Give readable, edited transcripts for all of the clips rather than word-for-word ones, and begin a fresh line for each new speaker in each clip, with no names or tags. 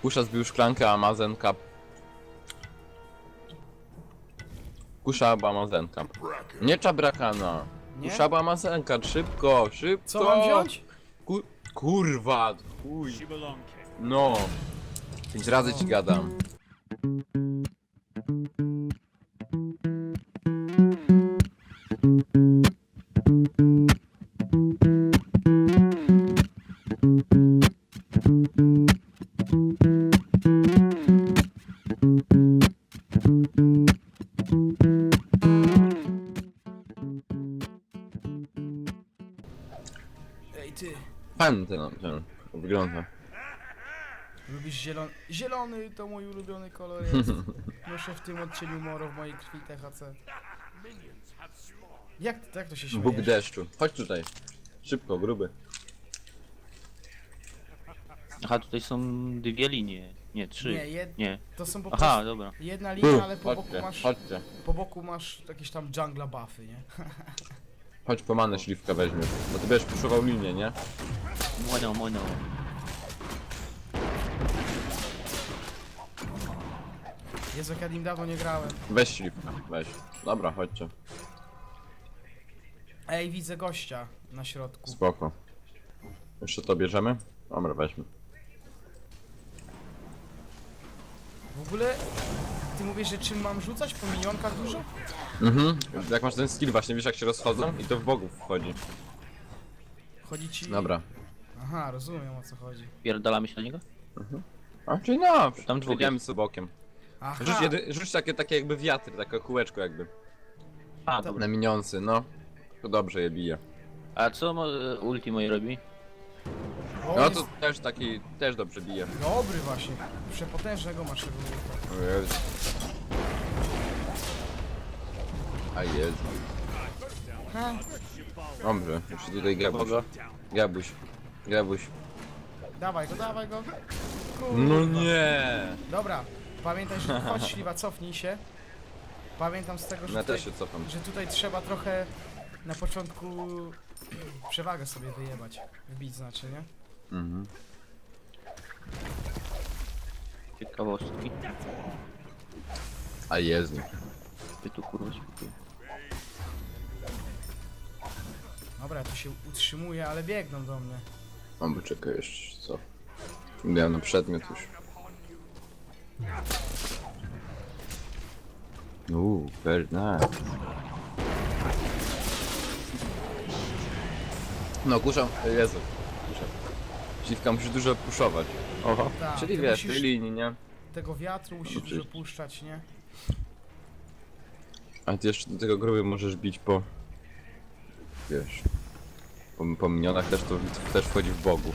Kusza zbił szklankę, a Mazenka... Kusza albo Mazenka. Nie Czabrakana.
Nie?
Kusza albo Mazenka, szybko, szybko!
Co mam wziąć?
Kurwa, chuj. No. 5 razy ci gadam.
Ej ty,
Fajny ten wygląda.
lubisz zielony? Zielony to mój ulubiony kolor jest. Noszę w tym odcieniu moro w mojej krwi THC. Jak to się
Bóg
śmieje?
deszczu. Chodź tutaj. Szybko, gruby.
Aha, tutaj są dwie linie. Nie, trzy.
Nie,
Nie.
to są po prostu
Aha, dobra.
jedna linia, ale
Chodźcie, chodźcie.
po boku masz jakieś tam jungla buffy, nie?
Chodź po manę śliwkę weźmiesz. Bo ty będziesz puszował linię, nie?
Mono.
Jezu, jak ja nim dawno nie grałem.
Weź śliwkę, weź. Dobra, chodźcie.
Ej, widzę gościa na środku.
Spoko. Jeszcze to bierzemy? Dobra, weźmy.
W ogóle, ty mówisz, że czym mam rzucać? Po minionkach dużo?
Mhm. Jak masz ten skill właśnie, wiesz jak się rozchodzą? I to w bogów wchodzi.
Chodzi ci...
Dobra.
Aha, rozumiem, o co chodzi.
Pierdalamy się na niego?
A, czyli no,
Tam dwóch
biegamy sobie bokiem.
Aha,
Rzuć takie jakby wiatry, takie kółeczko jakby.
A,
To-
dobra.
Na miniący, no. To dobrze je bije.
A co ulti moje robi?
o,
No
jest
to też taki, też dobrze bije.
dobry właśnie. Przepotężnego masz tego.
O Jezu. A Jezu.
Ha,
Dobrze, jeszcze tutaj gabuś.
Boga.
Gabuś.
dawaj go.
No nie!
Dobra, pamiętaj, że chodź śliwa, cofnij się. Pamiętam z tego, że,
Ja
tutaj,
też się cofam.
że tutaj trzeba trochę na początku przewagę sobie wyjebać. Wbić znaczy, nie?
Mhm.
Ciekawostki.
A Jezu.
Ty tu kurwa śpiewasz.
Dobra, ja tu się utrzymuję, ale biegną do mnie.
Mam czekaj jeszcze, co? Miałem na przedmiot już. Very nice. No kusza, Jezu. Kusza. Śliwka musisz dużo puszować.
Oho.
Tak,
Czyli
ty
wiesz, tej
musisz
linii, nie?
tego wiatru musisz
Oczywiście.
dużo puszczać, nie?
A ty jeszcze do tego gruby możesz bić po... Wiesz... Po minionach też to też wchodzi w bogu.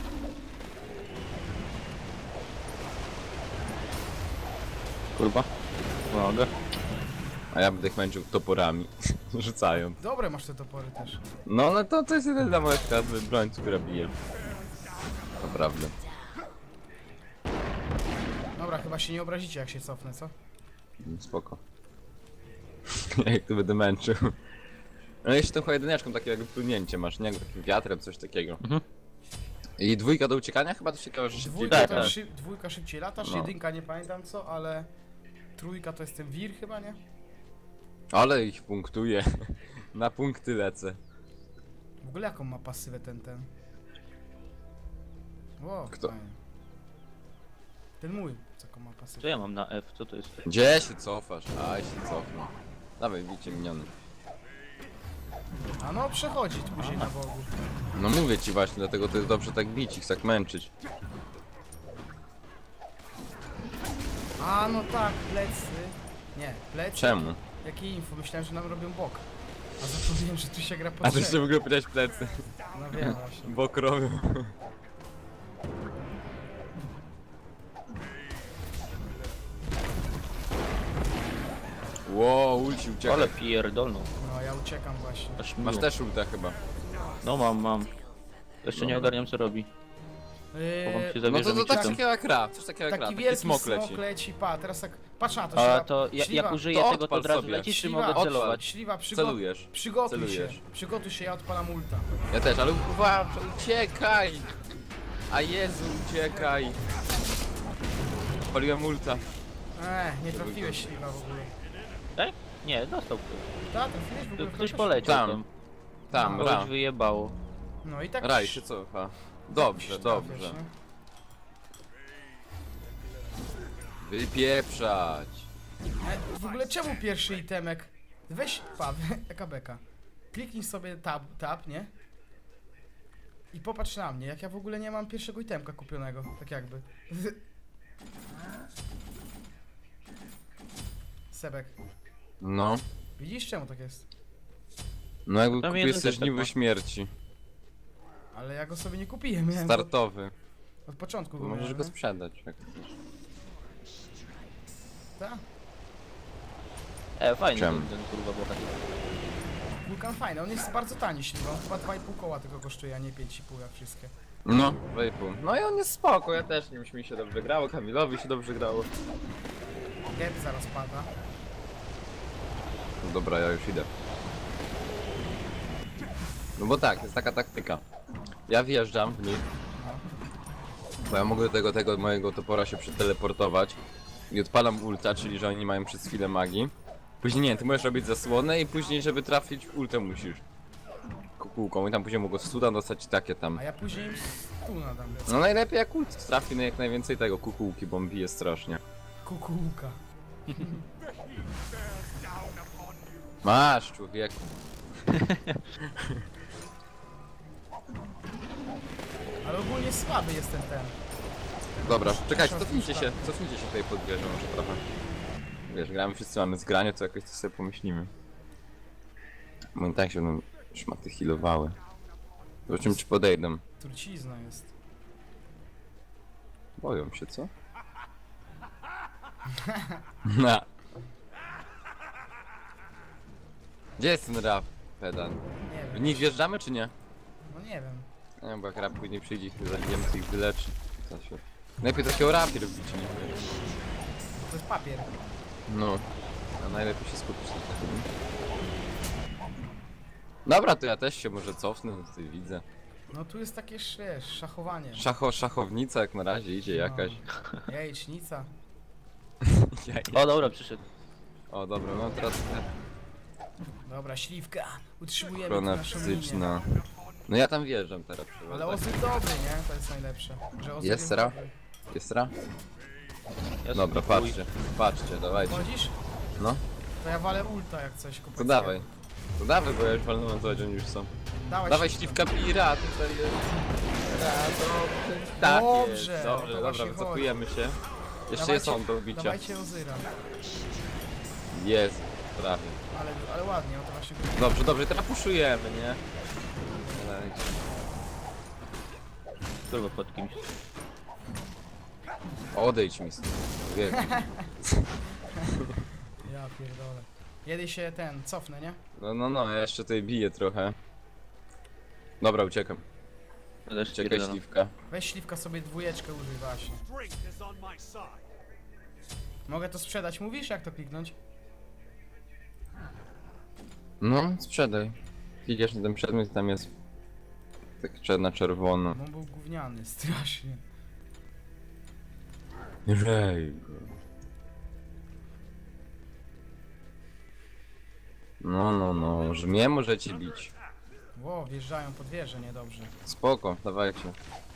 Kurwa. Uwaga.
A ja będę ich męczył toporami. Rzucają.
Dobre masz te topory też.
No ale to jest jedyna moja taka broń, która bije. Naprawdę.
Dobra, chyba się nie obrazicie jak się cofnę, co?
Spoko. Jak to będę męczył. No jeszcze tą jedyneczką takie jakby płynięcie masz, nie? Jakby takim wiatrem, coś takiego.
Mhm.
I dwójka do uciekania chyba to ciekawe, że szybciej
Dwójka,
Tak,
to
tak.
dwójka szybciej latasz,
No.
jedynka nie pamiętam co, ale trójka to jest ten wir chyba, nie?
Ale ich punktuje. Na punkty lecę.
W ogóle jaką ma pasywę ten? Wow,
Kto?
fajnie. Ten mój, jaką ma pasywę.
Co ja mam na F? Co to jest?
Gdzie się cofasz? Aj się cofnę. Dawaj, bicie miniony.
A no, przechodzi tu później na bogu.
No mówię ci właśnie, dlatego to jest dobrze tak bić ich, tak męczyć.
A no tak, plecy. Nie, plecy.
Czemu?
Jakie info? Myślałem, że nam robią bok. A zapomniałem, że tu się gra po
A ty
trzech.
jeszcze w ogóle powiedziałeś plecy.
No wiem właśnie.
Bok robią. Wow, ulci uciekaj.
Ale pierdolną.
No ja uciekam właśnie.
Aż
Masz
miło.
też ulta chyba.
No mam. Jeszcze nie
Dobra.
ogarniam co robi. Chowam się
Yy,
za
No
wieżą
to
i
tak
czytam.
takiego jak ra, coś takiego jak ra,
taki
taki
wielki
smok
smok
leci.
leci, pa, teraz tak, patrz na to,
A
śliwa,
to
śliwa,
jak użyję
To
tego, to
odpal
od razu
sobie.
lecisz, czy
Śliwa,
mogę
odpal.
celować?
śliwa,
Celujesz.
przygotuj
Celujesz.
się, przygotuj się, ja odpalam ulta.
Ja też, ale uważaj, uciekaj! A Jezu, uciekaj! odpaliłem ulta.
Nie trafiłeś śliwa w ogóle.
Tak? Nie, dostał ktoś.
Tak, trafiłeś w ogóle.
Ktoś
kogoś?
poleciał
Tam.
tam.
Tam,
Kogoś
Ra.
wyjebało.
No i tak...
Raj się cofa. Dobrze,
trafiasz,
dobrze.
nie?
Wypieprzać.
W ogóle czemu pierwszy itemek? Weź, eka beka. Kliknij sobie tab, nie? I popatrz na mnie, jak ja w ogóle nie mam pierwszego itemka kupionego, tak jakby. Sebek,
No.
widzisz czemu tak jest?
No jakby
Tam
kupiłeś
jeden
sobie
też tak
żniwo
ma.
śmierci.
Ale ja go sobie nie kupiłem, miałem go
Startowy.
od początku go
Możesz
miałem,
go
nie?
sprzedać jak chcesz.
Tak?
Fajny
Czemu?
ten kurwa bohater.
Wulkan fajny, on jest bardzo tani śliwa, on chyba 2,5 koła tylko kosztuje, a nie 5,5 jak wszystkie.
No, 2,5. No i on jest spoko, ja też nim mi się dobrze grało, Kamilowi się dobrze grało.
Gap zaraz pada.
No dobra, ja już idę. No bo tak, jest taka taktyka. Ja wjeżdżam w nich,
No.
bo ja mogę do tego mojego topora się przeteleportować i odpalam ulta, czyli że oni mają przez chwilę magii. Później nie, ty możesz robić zasłonę i później, żeby trafić w ultę musisz. Kukułką i tam później mogą studa dostać i takie tam.
A ja później im stuna dam.
No najlepiej jak ult trafi na jak najwięcej tego kukułki, bo on bije strasznie.
Kukułka.
Masz, człowieku.
Ale ogólnie słaby jest ten.
Dobra, czekajcie, cofnijcie się tutaj pod wieżą może trochę. Wiesz, gramy wszyscy, mamy zgranie, to jakoś to sobie pomyślimy. Bo i tak się będą szmaty healowały. Zobaczymy czy podejdą.
Trucizna jest.
Boją się, co? Na. Gdzie jest ten rap, pedan?
Nie
W
wiem.
nich wjeżdżamy czy nie?
No nie wiem.
Nie wiem, bo jak rap później przyjdzie i zabijemy, to ich wyleczy. To się... Najlepiej takiego rapie robić, nie?
To jest papier.
No, a najlepiej się skupić na tym. Dobra, to ja też się może cofnę, tutaj widzę.
No tu jest takie wiesz, szachowanie.
Szachownica jak na razie idzie jakaś.
No. Jajecznica.
O dobra, przyszedł.
O dobra, no teraz
Dobra, śliwka. Utrzymujemy tu
ochrona
naszą linię.
fizyczna. No ja tam wjeżdżam teraz.
Ale Ozy dobry, nie? To jest najlepsze. Że Ozy
Jest
jest
Sera?
dobry.
Jest ra?
Ja
Dobra,
spróbuj.
patrzcie, patrzcie, dawajcie.
Chodzisz?
No,
To ja walę ulta jak coś kupię.
to dawaj. To dawaj, bo ja już walnąłem, to oni już są.
Dawaj
Śliwka pira, tutaj jest. Ra, dobrze. Tak
Dobrze,
jest.
o
Dobrze,
to
dobra,
właśnie
wycofujemy się. Jeszcze
Dawajcie-
jest on do bicia.
Dawajcie Ozyra.
Jest, prawie.
Ale ładnie, o to właśnie chodzi.
Dobrze, dobrze, teraz puszujemy, nie? Dawajcie.
Kurwa pod kimś.
Odejdź mi stąd. Człowieku.
Ja pierdolę. Kiedy się cofnę, nie?
No, ja jeszcze tutaj biję trochę. Dobra, uciekam.
Ja też
Uciekaj,
pierdalam.
śliwka.
Weź śliwka sobie dwójeczkę użyj właśnie.
Drink is on my side.
Mogę to sprzedać, mówisz? Jak to kliknąć?
No, sprzedaj. Klikasz na ten przedmiot i tam jest tak na czerwono.
Bo on był gówniany, strasznie.
Rej go. No, że mnie możecie bić.
Ło, wjeżdżają pod wieżę, niedobrze.
Spoko, dawajcie.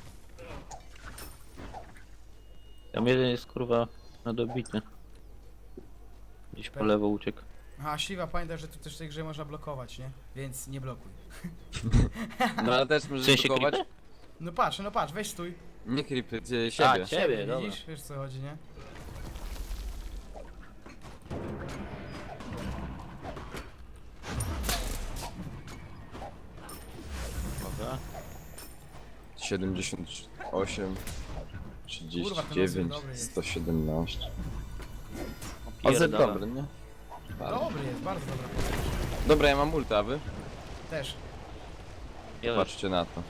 Tam jeden jest kurwa na dobity. Gdzieś po lewo uciekł.
Aha, śliwa, pamiętaj, że tu też w tej grze można blokować, nie? Więc nie blokuj.
No ale też
W
możesz
sensie
blokować.
creepy?
No patrz, weź stój.
Nie creepy, siebie.
Ciebie, dobra.
Widzisz? Wiesz co chodzi, nie?
Dobra.
78,
Kurwa, ten
39,
dobry jest.
117. Ozy
Pierdala.
dobry, nie? Bardzo.
Dobry jest, bardzo dobry postać.
Dobra, ja mam ulta, a wy?
Też.
Ja też.
Patrzcie na to.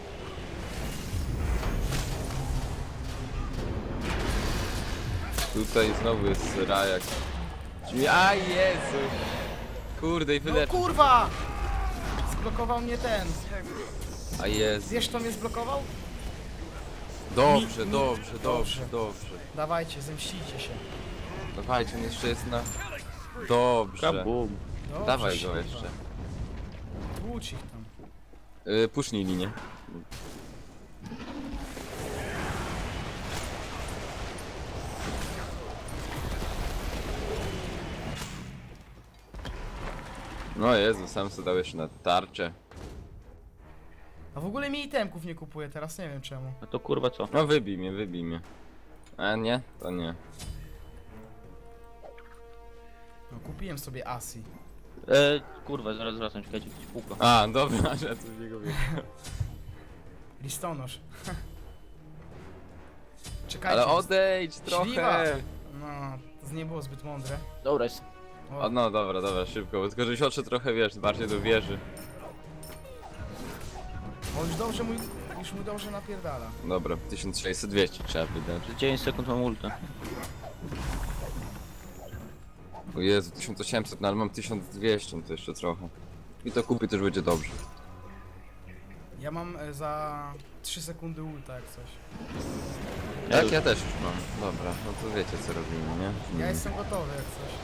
Tutaj znowu jest rajak. A Jezu! Kurde i
No
wylecz.
kurwa! Zblokował mnie ten.
A Jezu.
Wiesz kto mnie zblokował?
Dobrze,
Mi-
dobrze, dobrze,
dobrze.
dobrze.
Dawajcie, zemścicie się.
Dawajcie, on jeszcze jest na... Dobrze.
Kabum.
Dobrze,
Dawaj go
kurwa.
jeszcze.
Tłucz ich tam.
Pusznij linię. No Jezu, sam sobie dał jeszcze na tarczę.
A w ogóle mi itemków nie kupuję teraz, nie wiem czemu.
A to kurwa co?
No wybij mnie, wybij mnie. A nie? To nie.
No kupiłem sobie Asi.
Kurwa, zaraz wracam, czekajcie, jakieś kółko.
A, dobra, że tu w niego wiem.
Listonosz. Czekajcie.
Ale odejdź
Śliwa.
trochę!
No, to nie było zbyt mądre.
Dobra, jest.
O, no dobra, dobra, szybko, bo tylko żeś oczy trochę, wiesz, bardziej do wieży.
O, już mu dobrze napierdala.
Dobra, 1600, 200 trzeba wydać.
Za 9 sekund mam ulta.
O Jezu, 1800, no ale mam 1200, to jeszcze trochę. I to kupię, też będzie dobrze.
Ja mam za 3 sekundy ulta jak coś.
Tak, ja też już mam. Dobra, no to wiecie co robimy, nie?
Ja jestem gotowy jak coś.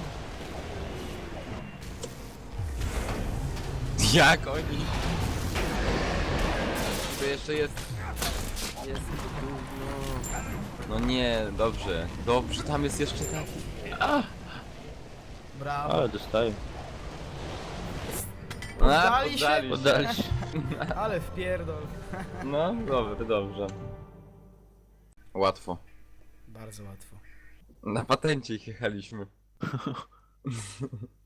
Jak oni? To jeszcze jest... Jest to gówno. No nie, dobrze. Dobrze, tam jest jeszcze taki...
Brawo.
Ale dostaję.
Poddali się?
poddali
Oddali się.
Ale wpierdol.
No, dobrze, dobrze. Łatwo.
Bardzo łatwo.
Na patencie ich jechaliśmy.